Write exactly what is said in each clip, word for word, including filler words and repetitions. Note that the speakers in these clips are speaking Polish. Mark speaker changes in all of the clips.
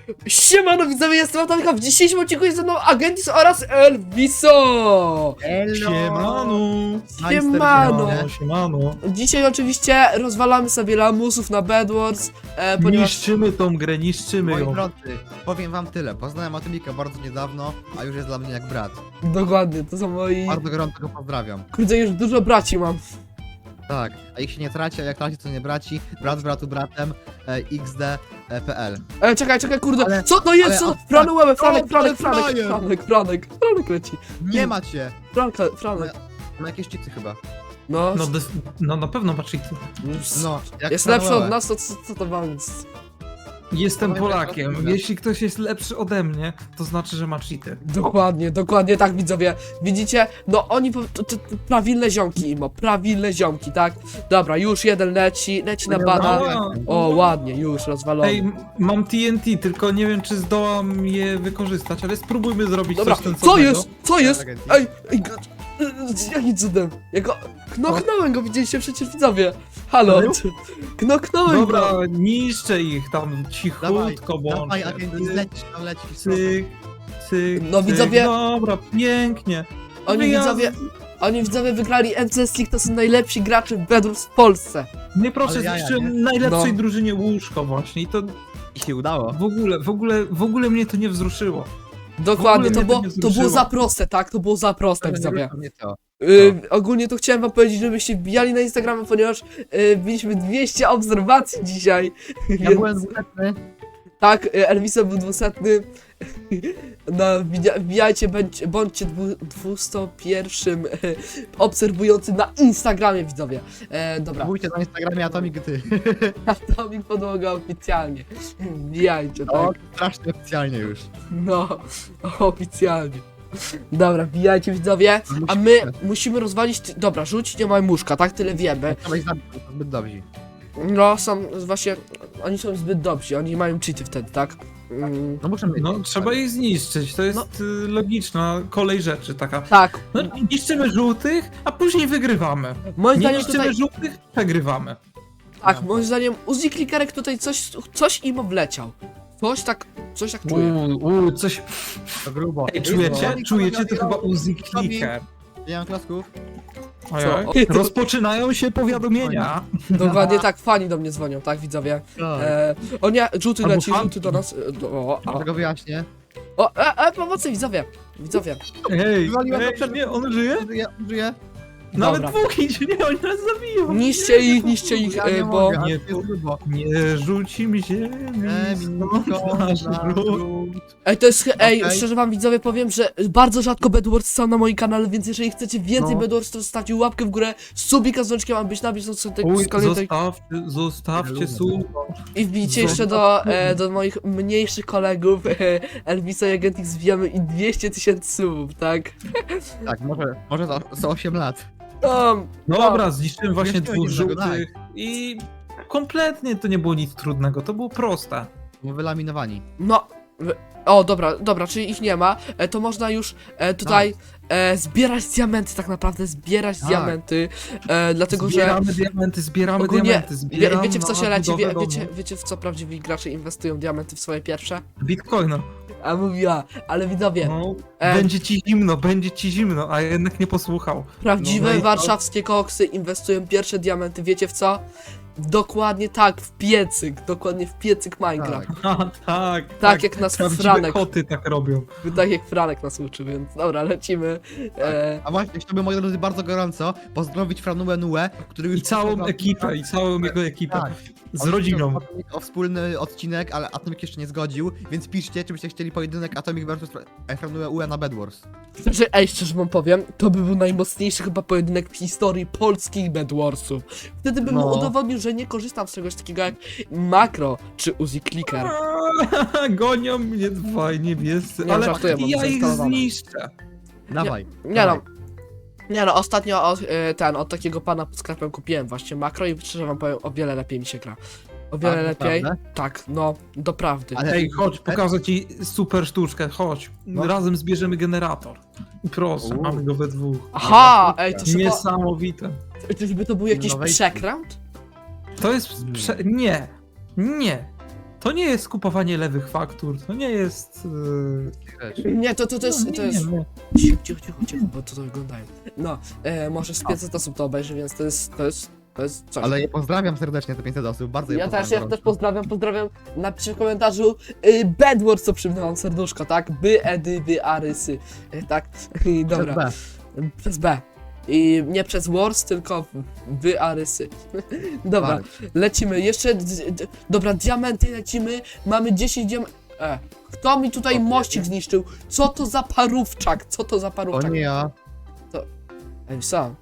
Speaker 1: Siemano widzowie, jestem Atomika, w dzisiejszym odcinku jest ze mną Agentis oraz Elviso!
Speaker 2: Siemano!
Speaker 1: Siemano!
Speaker 2: Siemano!
Speaker 1: Dzisiaj oczywiście rozwalamy sobie lamusów na Bedwars, e, ponieważ...
Speaker 2: Niszczymy tą grę, niszczymy
Speaker 3: Moi
Speaker 2: ją.
Speaker 3: drodzy, powiem wam tyle. Poznałem Atomika bardzo niedawno, a już jest dla mnie jak brat.
Speaker 1: Dokładnie, to są moi...
Speaker 3: Bardzo gorąco go pozdrawiam.
Speaker 1: Kurde, już dużo braci mam.
Speaker 3: Tak, a ich się nie traci, a jak traci, to nie braci. Brat z bratu bratem, e, xd.pl.
Speaker 1: E, czekaj, czekaj, kurde,
Speaker 3: Ale-
Speaker 1: co to jest?
Speaker 3: ale-
Speaker 1: Co?
Speaker 3: a-
Speaker 1: Franek, łebę, Franek,
Speaker 3: O,
Speaker 1: Franek,
Speaker 3: to jest
Speaker 1: Franek,
Speaker 3: Frajer!
Speaker 1: Franek, Franek, Franek leci.
Speaker 3: Nie macie!
Speaker 1: Franka, Franek.
Speaker 3: Ma jakieś cheaty chyba.
Speaker 1: No,
Speaker 2: No, des- no na pewno masz cheaty.
Speaker 3: No, jak
Speaker 1: jest lepszy od
Speaker 3: Samuele.
Speaker 1: nas, to co, co to ma więc?
Speaker 2: Jestem
Speaker 3: Powiem, że
Speaker 2: Polakiem.
Speaker 3: to-
Speaker 2: Jeśli ktoś jest lepszy ode mnie, to znaczy, że ma cheaty.
Speaker 1: Dokładnie, dokładnie tak widzowie. Widzicie? No oni po, to, to, to prawilne ziomki imo, prawilne ziomki, tak? Dobra, już jeden leci, leci na bana. O, ładnie, już rozwalony.
Speaker 2: Ej, m- mam T N T, tylko nie wiem, czy zdołam je wykorzystać, ale spróbujmy zrobić
Speaker 1: Dobra,
Speaker 2: coś ten
Speaker 1: co jest? Co jest?
Speaker 3: Agencji.
Speaker 1: Ej, ej, go- jakim cudem? Ja go, knoknąłem go, widzieliście przecież widzowie. Halo,
Speaker 2: Serio?
Speaker 1: knoknąłem
Speaker 2: Dobra,
Speaker 1: go.
Speaker 2: niszczę ich tam cichutko, bo
Speaker 3: Dawaj, agencji, lecisz tam, lecisz.
Speaker 2: cyk, cyk,
Speaker 1: No,
Speaker 2: cyk.
Speaker 1: widzowie-
Speaker 2: Dobra, pięknie.
Speaker 1: Oni
Speaker 2: Wyjazd.
Speaker 1: widzowie, oni widzowie wygrali M C S League, to są najlepsi gracze w Bedwars w Polsce.
Speaker 2: Nie proszę,
Speaker 3: Ale jaja,
Speaker 2: zniszczyłem
Speaker 3: nie?
Speaker 2: najlepszej
Speaker 1: No.
Speaker 2: drużynie łóżko właśnie i to
Speaker 3: I się udało.
Speaker 2: w ogóle, w ogóle, w ogóle mnie to nie wzruszyło.
Speaker 1: Dokładnie,
Speaker 2: W
Speaker 1: to
Speaker 2: ogóle
Speaker 1: było,
Speaker 2: mnie to nie
Speaker 1: to było
Speaker 2: wzruszyło.
Speaker 1: za proste, tak? To było za proste widzowie.
Speaker 3: Nie to.
Speaker 1: Yy, ogólnie to chciałem wam powiedzieć, żebyście wbijali na Instagrama, ponieważ yy, mieliśmy dwieście obserwacji dzisiaj.
Speaker 3: Ja
Speaker 1: Więc-
Speaker 3: byłem dwuletny.
Speaker 1: Tak, yy, Elviso był dwusetny. No, wbija- wbijajcie, bądź, bądźcie dwu, dwusto-pierwszym yy, obserwującym na Instagramie, widzowie. E, dobra,
Speaker 3: Wójcie na Instagramie Atomik ty.
Speaker 1: Atomik Podłoga oficjalnie. Wbijajcie,
Speaker 3: O,
Speaker 1: tak?
Speaker 3: strasznie oficjalnie już.
Speaker 1: No, oficjalnie. Dobra, wbijajcie, widzowie. A my musimy rozwalić... Ty- dobra, rzuć, nie ma muszka, tak? Tyle wiemy.
Speaker 3: Trzeba ich zabić, to zbyt dobrzy.
Speaker 1: No, są właśnie... Oni są zbyt dobrzy, oni mają cheaty wtedy, tak? Mm,
Speaker 3: No muszę mieć.
Speaker 2: No, trzeba ich zniszczyć, to jest y, logiczna kolej rzeczy taka.
Speaker 1: tak,
Speaker 2: No, niszczymy żółtych, a później wygrywamy.
Speaker 1: moim
Speaker 2: Nie
Speaker 1: zdaniem
Speaker 2: niszczymy
Speaker 1: tutaj...
Speaker 2: żółtych, przegrywamy.
Speaker 1: Tak, moim zdaniem Uzi Clickerek tutaj coś, coś im wleciał. Coś tak, coś tak czuję.
Speaker 2: Uuu, uu, coś...
Speaker 3: To grubo.
Speaker 2: Ej, czujecie? Czujecie? To chyba Uzi Clicker.
Speaker 3: Nie mam klasków.
Speaker 2: Ojoj. Rozpoczynają się powiadomienia.
Speaker 1: Dokładnie tak, fani do mnie dzwonią, tak, widzowie. E, o nie, żółty
Speaker 2: Albo
Speaker 1: leci,
Speaker 2: fanki.
Speaker 1: żółty do nas. e, Do, o, a,
Speaker 3: Tego wyjaśnię.
Speaker 1: o, e, e, pomocy, widzowie, widzowie.
Speaker 2: Ej,
Speaker 3: Wywaliłem
Speaker 2: ej
Speaker 3: go przed-
Speaker 2: nie, on żyje?
Speaker 3: Żyję, żyję.
Speaker 2: Nawet
Speaker 1: Dobra.
Speaker 2: dwóch idzie, nie, oni nas zabiją.
Speaker 1: Niszcie ich, niszcie ich,
Speaker 3: Ja
Speaker 1: e,
Speaker 3: nie
Speaker 1: bo...
Speaker 3: mogę,
Speaker 2: nie,
Speaker 3: ale to jest grubo.
Speaker 2: Nie rzuci mi ziemi,
Speaker 3: E,
Speaker 2: stąd
Speaker 3: minutko
Speaker 2: nasz
Speaker 3: na
Speaker 2: ród.
Speaker 3: ród.
Speaker 1: Ej, to jest, ej,
Speaker 3: Okej.
Speaker 1: szczerze wam widzowie powiem, że bardzo rzadko Bedwars są na moim kanale, więc jeżeli chcecie więcej
Speaker 3: No.
Speaker 1: Bedwars, to zostawcie łapkę w górę, subika z dzwoneczkiem, mam być na bieżąco tej
Speaker 2: Uj,
Speaker 1: z kolejnej
Speaker 2: zostawcie, zostawcie sub.
Speaker 1: I wbijcie jeszcze do, e, do moich mniejszych kolegów, e, Elvisa i Agentix, zbijamy i dwieście tysięcy subów, tak?
Speaker 3: Tak, może, może za, za osiem lat.
Speaker 1: Um,
Speaker 2: Dobra, zniszczyłem właśnie
Speaker 3: Jeszcze
Speaker 2: dwóch
Speaker 3: jednego,
Speaker 2: żółtych i kompletnie to nie było nic trudnego, to było proste.
Speaker 3: Bo wylaminowani.
Speaker 1: no, wy- o dobra, dobra, czyli ich nie ma, e, to można już e, tutaj e, zbierać diamenty, tak naprawdę, zbierać
Speaker 3: Tak.
Speaker 1: diamenty, e, dlatego że...
Speaker 2: Zbieramy diamenty, zbieramy
Speaker 1: Ogólnie,
Speaker 2: diamenty,
Speaker 1: wie,
Speaker 2: zbieramy
Speaker 1: wiecie w co się
Speaker 2: na
Speaker 1: leci, wie,
Speaker 2: budowę
Speaker 1: wiecie,
Speaker 2: domu.
Speaker 1: wiecie w co prawdziwi gracze inwestują diamenty w swoje pierwsze?
Speaker 2: Bitcoina.
Speaker 1: A mówiła, ale widzowie,
Speaker 2: No,
Speaker 1: E.
Speaker 2: będzie ci zimno, będzie ci zimno, a jednak nie posłuchał.
Speaker 1: prawdziwe
Speaker 2: no i to-
Speaker 1: warszawskie koksy inwestują pierwsze diamenty, wiecie w co? Dokładnie tak, w piecyk, dokładnie w piecyk Minecraft.
Speaker 3: Tak.
Speaker 2: A, tak,
Speaker 1: Tak, jak nas
Speaker 2: Prawdziwe
Speaker 1: Franek,
Speaker 2: koty tak robią.
Speaker 1: tak jak Franek nas uczy, więc dobra, lecimy. E,
Speaker 3: A właśnie, chciałbym, moi drodzy, bardzo gorąco pozdrowić Franuę Nue, który już...
Speaker 2: I całą ekipę, i całą jego ekipę.
Speaker 3: Tak.
Speaker 2: Z
Speaker 3: On
Speaker 2: rodziną.
Speaker 3: chciał o wspólny odcinek, ale Atomik jeszcze nie zgodził, więc piszcie, czy byście chcieli pojedynek Atomik versus Franue U E na Bedwars.
Speaker 1: że, ej, szczerze wam powiem, to by był najmocniejszy chyba pojedynek w historii polskich Bedwarsów. Wtedy bym mu
Speaker 3: No.
Speaker 1: udowodnił, że nie korzystam z czegoś takiego jak makro czy Uzi Clicker.
Speaker 2: Gonią mnie dwaj niebiescy,
Speaker 1: Nie,
Speaker 2: ale
Speaker 1: żartuję, mam
Speaker 2: ja ich
Speaker 1: zainstalowane.
Speaker 2: zniszczę.
Speaker 3: Dawaj.
Speaker 1: Nie no. Nie no, ostatnio od, y, ten, od takiego pana pod sklepem kupiłem właśnie makro i szczerze wam powiem, o wiele lepiej mi się gra. O wiele
Speaker 3: A,
Speaker 1: lepiej.
Speaker 3: naprawdę?
Speaker 1: Tak, no, doprawdy.
Speaker 3: Ale-
Speaker 2: Ej, chodź, pokażę ci super sztuczkę, chodź.
Speaker 3: No.
Speaker 2: Razem zbierzemy generator. I proszę,
Speaker 3: U.
Speaker 2: mamy go we dwóch.
Speaker 1: Aha, ej, to chyba...
Speaker 2: Niesamowite.
Speaker 1: Czyżby to był jakiś
Speaker 3: No wejdź.
Speaker 1: przekręt?
Speaker 2: To jest... Prze... Nie. Nie. To nie jest kupowanie lewych faktur, to nie jest... Yy...
Speaker 1: Nie, to, to, to jest,
Speaker 2: no,
Speaker 1: to
Speaker 2: nie,
Speaker 1: jest...
Speaker 2: nie.
Speaker 1: Cicho, cicho, cicho, cicho, bo to, to wyglądają. No, e, może z pięćset osób to obejrzy, więc to jest, to jest, to jest coś.
Speaker 3: Ale je pozdrawiam serdecznie, te pięćset osób, bardzo je
Speaker 1: Ja też,
Speaker 3: pozdrawiam.
Speaker 1: ja też
Speaker 3: gorąco.
Speaker 1: pozdrawiam, pozdrawiam. Napiszcie w komentarzu y, Bedwars, co przywinę wam serduszko, tak? By, edy, wy, arysy, y, tak? I dobra,
Speaker 3: B.
Speaker 1: przez B. I nie przez Wars, tylko wy, arysy. Dobra,
Speaker 3: Bary.
Speaker 1: lecimy, jeszcze, d, d, dobra, diamenty lecimy, mamy dziesięć diamentów. E, kto mi tutaj
Speaker 3: O,
Speaker 1: mościk zniszczył? Co to za parówczak? Co to za
Speaker 3: O
Speaker 1: parówczak?
Speaker 3: nie ja.
Speaker 1: Ej, sam.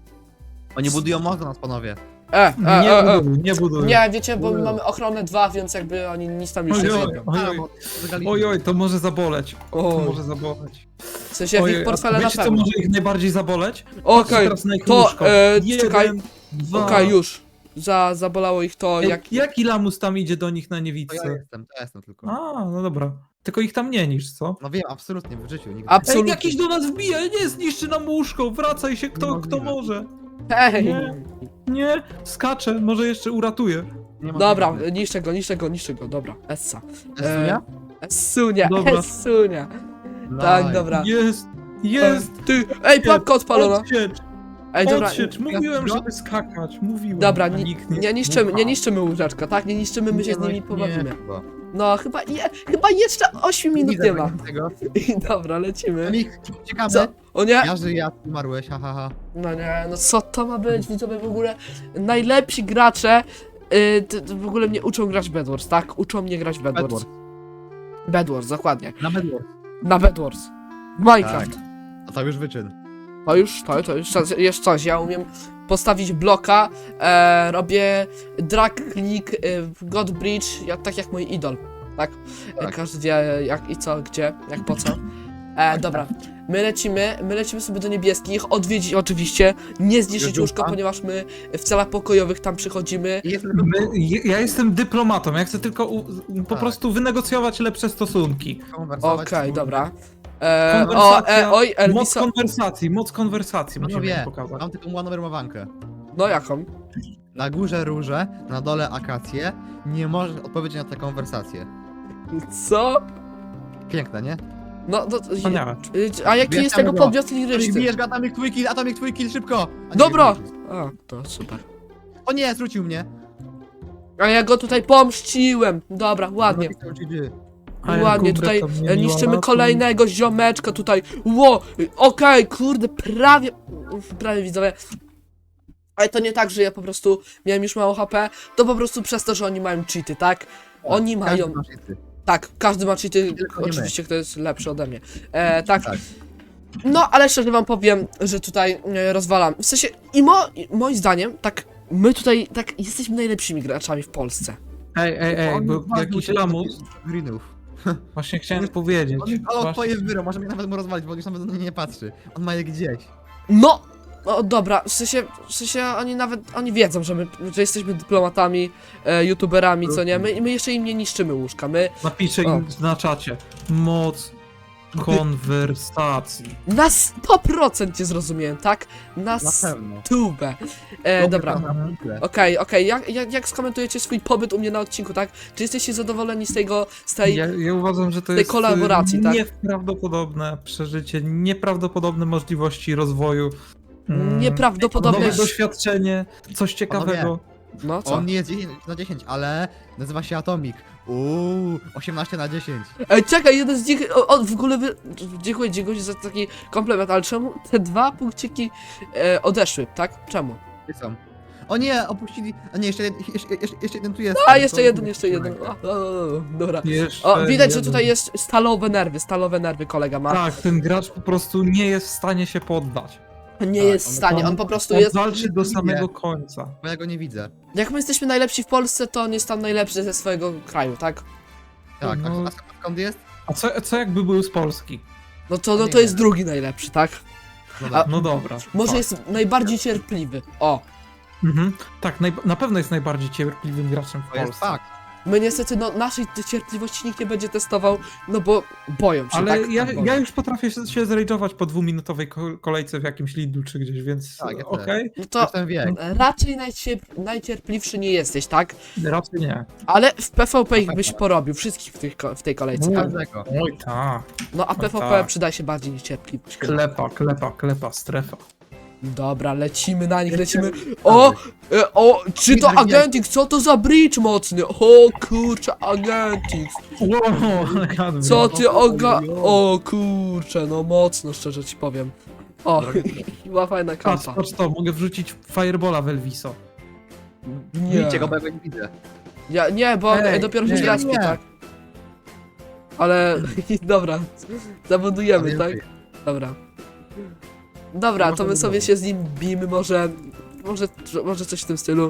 Speaker 3: Oni budują most do nas, panowie.
Speaker 1: E, e,
Speaker 2: Nie
Speaker 1: e, e.
Speaker 2: buduj, nie buduj.
Speaker 1: Nie, wiecie, bo my
Speaker 3: Ojoj.
Speaker 1: mamy ochronę dwa, więc jakby oni nic tam już nie
Speaker 2: Ojoj.
Speaker 1: zrobią.
Speaker 2: Ojoj.
Speaker 3: A, bo zagali-
Speaker 2: Oj, oj, to może zaboleć. To
Speaker 1: Oj.
Speaker 2: może zaboleć.
Speaker 1: W sensie w
Speaker 2: Ojej,
Speaker 1: ich
Speaker 2: a
Speaker 1: portfele na
Speaker 2: wiecie, co
Speaker 1: pewno.
Speaker 2: może ich najbardziej zaboleć?
Speaker 1: Okej,
Speaker 2: Teraz na ich
Speaker 1: to,
Speaker 2: łóżko.
Speaker 1: e,
Speaker 2: Jeden,
Speaker 1: czekaj.
Speaker 2: dwa.
Speaker 1: okej, już. Za, zabolało ich to,
Speaker 2: Ej,
Speaker 1: jak...
Speaker 2: Jaki lamus tam idzie do nich na
Speaker 3: To ja
Speaker 2: niewidce?
Speaker 3: jestem, to ja jestem tylko.
Speaker 2: A, no dobra. Tylko ich tam nie niż, co?
Speaker 3: No wiem, absolutnie, w życiu nigdy.
Speaker 1: Abs-
Speaker 2: Ej,
Speaker 1: Absolutnie.
Speaker 2: jakiś do nas wbija, nie zniszczy nam łóżko, wracaj się kto, kto
Speaker 3: Niemożliwe.
Speaker 2: może.
Speaker 1: Hej!
Speaker 2: Nie. Nie, skacze, może jeszcze uratuje.
Speaker 3: Nie ma
Speaker 1: Dobra,
Speaker 3: nigdy.
Speaker 1: niszczę go, niszczę go, niszczę go, dobra. Essa.
Speaker 3: Esunia?
Speaker 1: Essunia,
Speaker 2: Dobra.
Speaker 1: Essunia. Tak,
Speaker 3: Nice.
Speaker 1: dobra.
Speaker 2: Jest, jest.
Speaker 1: Ty, ej, planka odpalona.
Speaker 2: Odsiecz,
Speaker 1: Ej, dobra,
Speaker 2: odsiecz, mówiłem,
Speaker 3: Ja-
Speaker 2: żeby skakać, mówiłem.
Speaker 1: dobra,
Speaker 2: a
Speaker 1: nie,
Speaker 2: nikt
Speaker 1: nie niszczymy, nie
Speaker 2: słucha.
Speaker 1: niszczymy łóżeczka, tak? Nie niszczymy, my się
Speaker 3: Nie,
Speaker 1: z
Speaker 3: no
Speaker 1: nimi
Speaker 3: nie,
Speaker 1: pobawimy.
Speaker 3: chyba.
Speaker 1: No, chyba, je, chyba jeszcze osiem minut
Speaker 3: widzę
Speaker 1: nie ma.
Speaker 3: tego.
Speaker 1: I dobra, lecimy.
Speaker 3: Mik, ciekawe.
Speaker 1: Co? O nie?
Speaker 3: Ja żyję, ja ty umarłeś, ha, ha, ha.
Speaker 1: No nie, no co to ma być? Widzowie, w ogóle najlepsi gracze y, t, t, w ogóle mnie uczą grać w Bedwars, tak? Uczą mnie grać w Bedwars.
Speaker 3: Bedwars.
Speaker 1: Bedwars, dokładnie.
Speaker 3: Na Bedwars.
Speaker 1: Na Bedwars. W Minecraft.
Speaker 3: Tak. A to już wyczyn.
Speaker 1: To już, to, to już coś- jest coś. Ja umiem postawić bloka, e, robię drag click, e, God Bridge, ja, tak jak mój idol. Tak? E,
Speaker 3: Tak.
Speaker 1: każdy wie jak i co, gdzie, jak po co. E, dobra. My lecimy, my lecimy sobie do niebieskich, odwiedzić oczywiście, nie zniszczyć
Speaker 3: Już
Speaker 1: łóżko,
Speaker 3: dupa.
Speaker 1: ponieważ my w celach pokojowych tam przychodzimy.
Speaker 3: I jest tylko
Speaker 2: My, je- ja jestem dyplomatą, ja chcę tylko u, po
Speaker 3: Tak.
Speaker 2: prostu wynegocjować lepsze stosunki.
Speaker 3: konwersować.
Speaker 1: Okej, dobra. E, o,
Speaker 2: Konwersacja,
Speaker 1: e, oj,
Speaker 2: Moc
Speaker 1: Elviso.
Speaker 2: konwersacji, moc konwersacji musimy
Speaker 3: Panowie,
Speaker 2: im pokazać.
Speaker 3: mam taką ładną rymowankę.
Speaker 1: No jaką?
Speaker 3: Na górze róże, na dole akacje. Nie możesz odpowiedzieć na tę konwersację.
Speaker 1: Co?
Speaker 3: Piękne, nie?
Speaker 1: No, to,
Speaker 2: Wspaniałe.
Speaker 1: a jaki jest tego
Speaker 3: Bierzemy go.
Speaker 1: podmiot liryczny?
Speaker 3: Bijesz go, Atomik twój kill, Atomik twój kill, szybko! A nie,
Speaker 1: Dobra!
Speaker 3: nie, nie.
Speaker 1: A, to super.
Speaker 3: O nie, zwrócił mnie.
Speaker 1: A ja go tutaj pomściłem. Dobra, ładnie.
Speaker 3: Napisał G G.
Speaker 2: A ja
Speaker 1: Ładnie,
Speaker 2: gubrę,
Speaker 1: tutaj
Speaker 2: to mnie
Speaker 1: e,
Speaker 2: miła
Speaker 1: niszczymy
Speaker 2: ratuj.
Speaker 1: kolejnego ziomeczka tutaj. Ło, y, okej, kurde, prawie, uf, prawie widzowie. Ale to nie tak, że ja po prostu miałem już mało H P, to po prostu przez to, że oni mają cheaty, tak? Oni
Speaker 3: Każdy
Speaker 1: mają,
Speaker 3: ma cheaty.
Speaker 1: tak, każdy ma cheaty,
Speaker 3: Tylko nie my.
Speaker 1: oczywiście kto jest lepszy ode mnie. E, tak.
Speaker 3: Tak.
Speaker 1: No, ale szczerze wam powiem, że tutaj e, rozwalam. W sensie, i mo, i moim zdaniem, tak, my tutaj, tak, jesteśmy najlepszymi graczami w Polsce.
Speaker 2: Ej, ej, ej,
Speaker 3: On
Speaker 2: bo
Speaker 3: was
Speaker 2: jakiś
Speaker 3: uciekł
Speaker 2: lamus,
Speaker 3: do Greenów.
Speaker 2: właśnie chciałem powiedzieć.
Speaker 3: On ale
Speaker 2: Właśnie-
Speaker 3: twoje wyro, może mnie nawet mu rozwalić, bo on już nawet na mnie nie patrzy. On ma je gdzieś.
Speaker 1: No! No dobra, w sensie, w sensie oni nawet, oni wiedzą, że my, że jesteśmy dyplomatami, e, youtuberami, co nie? My, my jeszcze im nie niszczymy łóżka, my
Speaker 2: Napiszę im na czacie. Moc konwersacji.
Speaker 1: na sto procent cię zrozumiałem, tak? Na
Speaker 3: Na pewno.
Speaker 1: stówę. E, dobra.
Speaker 3: Na punkle.
Speaker 1: Okej, okej, jak, jak, jak skomentujecie swój pobyt u mnie na odcinku, tak? Czy jesteście zadowoleni z tego, z tej...
Speaker 2: Ja, ja uważam, że to
Speaker 1: tej
Speaker 2: jest
Speaker 1: kolaboracji,
Speaker 2: y,
Speaker 1: tak?
Speaker 2: nieprawdopodobne przeżycie, nieprawdopodobne możliwości rozwoju. mm,
Speaker 1: Nieprawdopodobne...
Speaker 2: Nowe doświadczenie, coś ciekawego.
Speaker 1: No co?
Speaker 3: On nie jest dziesięć na dziesięć, ale nazywa się Atomik. Uuu, osiemnaście na dziesięć.
Speaker 1: Ej, czekaj, jeden z nich, o, o, w ogóle, wy... dziękuję, dziękuję za taki komplement, ale czemu te dwa punkciki e, odeszły, tak? Czemu?
Speaker 3: Gdzie są? O nie, opuścili. A nie, jeszcze, jed- jeszcze, jeszcze, jeszcze jeden tu jest.
Speaker 1: A, jeszcze
Speaker 3: To-
Speaker 1: jeden, jeszcze jeden. O, o, o, dobra.
Speaker 2: Jeszcze
Speaker 1: O, widać, że
Speaker 2: jeden.
Speaker 1: tutaj jest stalowe nerwy, stalowe nerwy kolega ma.
Speaker 2: Tak, ten gracz po prostu nie jest w stanie się poddać.
Speaker 1: Nie
Speaker 3: tak,
Speaker 1: jest w
Speaker 3: on-
Speaker 1: stanie,
Speaker 2: on-
Speaker 1: on po prostu
Speaker 2: On
Speaker 1: jest...
Speaker 2: walczy do samego końca.
Speaker 3: Bo ja go nie widzę.
Speaker 1: Jak my jesteśmy najlepsi w Polsce, to on jest tam najlepszy ze swojego kraju, tak?
Speaker 3: Tak, a,
Speaker 2: No.
Speaker 3: a skąd jest?
Speaker 2: A co, co jakby był z Polski?
Speaker 1: No to, no
Speaker 3: Nie
Speaker 1: to jest
Speaker 3: wiem.
Speaker 1: drugi najlepszy, tak?
Speaker 3: No
Speaker 1: A-
Speaker 3: tak.
Speaker 2: No dobra.
Speaker 1: Może
Speaker 2: tak.
Speaker 1: jest najbardziej cierpliwy. O,
Speaker 2: Mhm. Tak, naj, na pewno jest najbardziej cierpliwym graczem w
Speaker 3: To jest
Speaker 2: Polsce.
Speaker 3: fakt.
Speaker 1: My niestety, no, naszej cierpliwości nikt nie będzie testował, no bo boją się,
Speaker 2: Ale
Speaker 1: tak?
Speaker 2: ja,
Speaker 1: Boją.
Speaker 2: ja już potrafię się, się zrajdżować po dwuminutowej ko- kolejce w jakimś Lidlu czy gdzieś, więc
Speaker 3: Tak, ja też.
Speaker 2: okej,
Speaker 1: No
Speaker 3: To
Speaker 1: to
Speaker 3: ten wiek.
Speaker 1: raczej najcier- najcierpliwszy nie jesteś, tak?
Speaker 2: raczej nie.
Speaker 1: Ale w PvP ich byś porobił, wszystkich w, tych, ko- w tej kolejce, tak?
Speaker 3: Każdego.
Speaker 2: Oj ta,
Speaker 1: No a
Speaker 2: No
Speaker 1: PvP
Speaker 2: tak.
Speaker 1: przyda się bardziej niż cierpliwość.
Speaker 2: klepa, klepa, klepa, strefa.
Speaker 1: Dobra, lecimy na nich, lecimy. O! E, o! Czy to
Speaker 3: Widzę,
Speaker 1: Agentix? Co to za bridge mocny? O kurczę, Agentix!
Speaker 2: Wow,
Speaker 1: Co ty oga... O kurczę, no mocno, szczerze ci powiem. O, była fajna
Speaker 2: Patrz,
Speaker 1: kampa.
Speaker 2: patrz to, mogę wrzucić Firebola w Elviso.
Speaker 1: Nie,
Speaker 3: Widzicie go, bo ja go nie widzę.
Speaker 1: ja, nie, bo
Speaker 2: Ej,
Speaker 1: Ej, dopiero się
Speaker 2: nie,
Speaker 1: zraspie,
Speaker 3: nie.
Speaker 1: tak? Ale, dobra, zabudujemy,
Speaker 3: Ale
Speaker 1: tak?
Speaker 3: więcej.
Speaker 1: Dobra. Dobra, to my sobie się z nim bijmy, może... Może, może coś w tym stylu.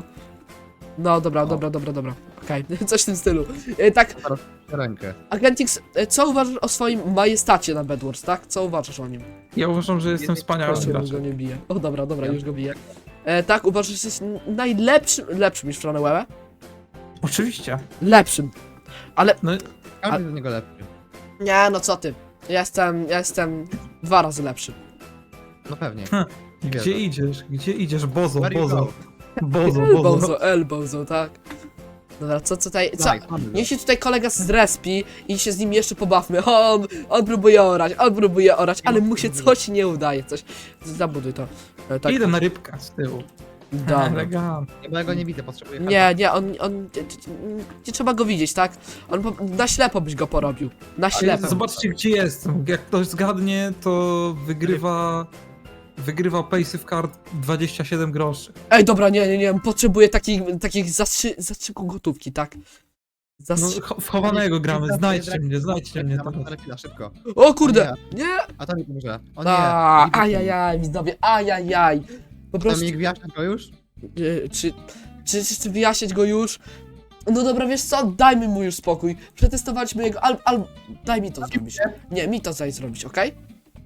Speaker 1: No, dobra,
Speaker 3: O.
Speaker 1: dobra, dobra, dobra. Okej, coś w tym stylu. E, tak,
Speaker 3: Rękę.
Speaker 1: Agentix, e, co uważasz o swoim majestacie na Bedwars, tak? Co uważasz o nim?
Speaker 2: Ja uważam, że jestem wspaniałym
Speaker 1: Proszę, go
Speaker 2: graczem.
Speaker 1: nie bije. O, dobra, dobra,
Speaker 3: Ja-
Speaker 1: już go biję. E, tak, uważasz, że jesteś n- najlepszym, lepszym niż Franewell?
Speaker 2: Oczywiście.
Speaker 1: Lepszym. Ale,
Speaker 2: No,
Speaker 3: Każdy jest do niego lepszy.
Speaker 1: nie, no co ty. Ja jestem, ja jestem dwa razy lepszy.
Speaker 3: No pewnie.
Speaker 2: gdzie
Speaker 3: Wierzę.
Speaker 2: idziesz? Gdzie idziesz? Bozo,
Speaker 3: Where you
Speaker 2: bozo.
Speaker 3: go?
Speaker 2: Bozo, bozo.
Speaker 1: Elbozo, elbozo, tak. Dobra, co tutaj, co?
Speaker 3: Daj, mamy go.
Speaker 1: Niech się tutaj kolega zrespi i się z nim jeszcze pobawmy. O, on, on próbuje orać, on próbuje orać, ale mu się coś nie udaje, coś. Zabuduj to. E, tak,
Speaker 2: Idę na rybkę z tyłu.
Speaker 1: dobra.
Speaker 2: Elegancko.
Speaker 3: Nie, bo ja go nie widzę, potrzebuję
Speaker 1: Nie, nie, on, on, nie, nie trzeba go widzieć, tak? On po, na ślepo byś go porobił. Na ślepo.
Speaker 2: Zobaczcie, gdzie jestem. Jak ktoś zgadnie, to wygrywa... Wygrywa Pace Card dwadzieścia siedem groszy.
Speaker 1: Ej, dobra, nie, nie, nie, potrzebuję takich, takich zastrzy, zastrzyku gotówki, tak?
Speaker 2: No,
Speaker 1: Zastrzy...
Speaker 2: cho- w chowanego gramy, znajdźcie mnie, znajdźcie mnie teraz.
Speaker 3: Na chwilę, szybko.
Speaker 1: O kurde, nie!
Speaker 3: A to mi pomoże. O nie.
Speaker 1: A,
Speaker 3: Widzicie?
Speaker 1: ajajaj, widzowie, ajajaj. Po
Speaker 3: To
Speaker 1: prostu,
Speaker 3: mi gwiazdka to już?
Speaker 1: e, czy, czy, czy, czy wyjaśniać go już? No dobra, wiesz co, dajmy mu już spokój. Przetestowaliśmy jego, al, al, daj mi to zrobić. Nie, mi to daj zrobić, okej?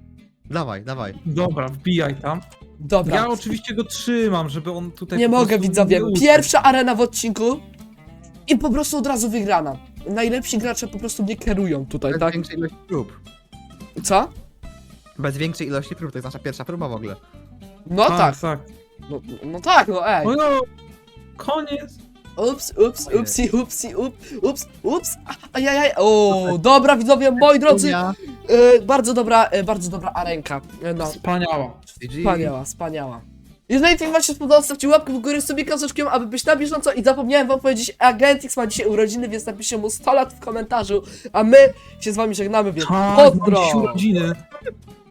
Speaker 3: Dawaj, dawaj.
Speaker 2: Dobra, wbijaj tam.
Speaker 1: Dobra.
Speaker 2: Ja oczywiście go trzymam, żeby on tutaj...
Speaker 1: Nie
Speaker 2: po
Speaker 1: mogę,
Speaker 2: prostu
Speaker 1: widzowie.
Speaker 2: nie uciekł.
Speaker 1: Pierwsza arena w odcinku i po prostu od razu wygrana. Najlepsi gracze po prostu mnie kierują tutaj,
Speaker 3: Bez
Speaker 1: tak?
Speaker 3: większej ilości prób.
Speaker 1: Co?
Speaker 3: Bez większej ilości prób, to jest nasza pierwsza próba w ogóle.
Speaker 1: No tak.
Speaker 2: Tak, tak.
Speaker 1: No, no tak, no ej.
Speaker 2: O no, koniec.
Speaker 1: Ups, ups, upsi, upsi, up, ups, ups. Ajajaj. O, dobra, widzowie, moi drodzy.
Speaker 3: Ja.
Speaker 1: E, bardzo dobra, e, bardzo dobra arenka. E, no,
Speaker 2: Wspaniała.
Speaker 3: G G.
Speaker 1: wspaniała, wspaniała. Jeżeli film wam się spodobał, stawcie łapkę w górę z sobie kozeczkiem, aby być na bieżąco i zapomniałem wam powiedzieć, Agentix ma dzisiaj urodziny, więc napiszcie mu sto lat w komentarzu, a my się z wami żegnamy, więc
Speaker 2: Tak, mam
Speaker 1: pozdro!
Speaker 2: dziś urodziny.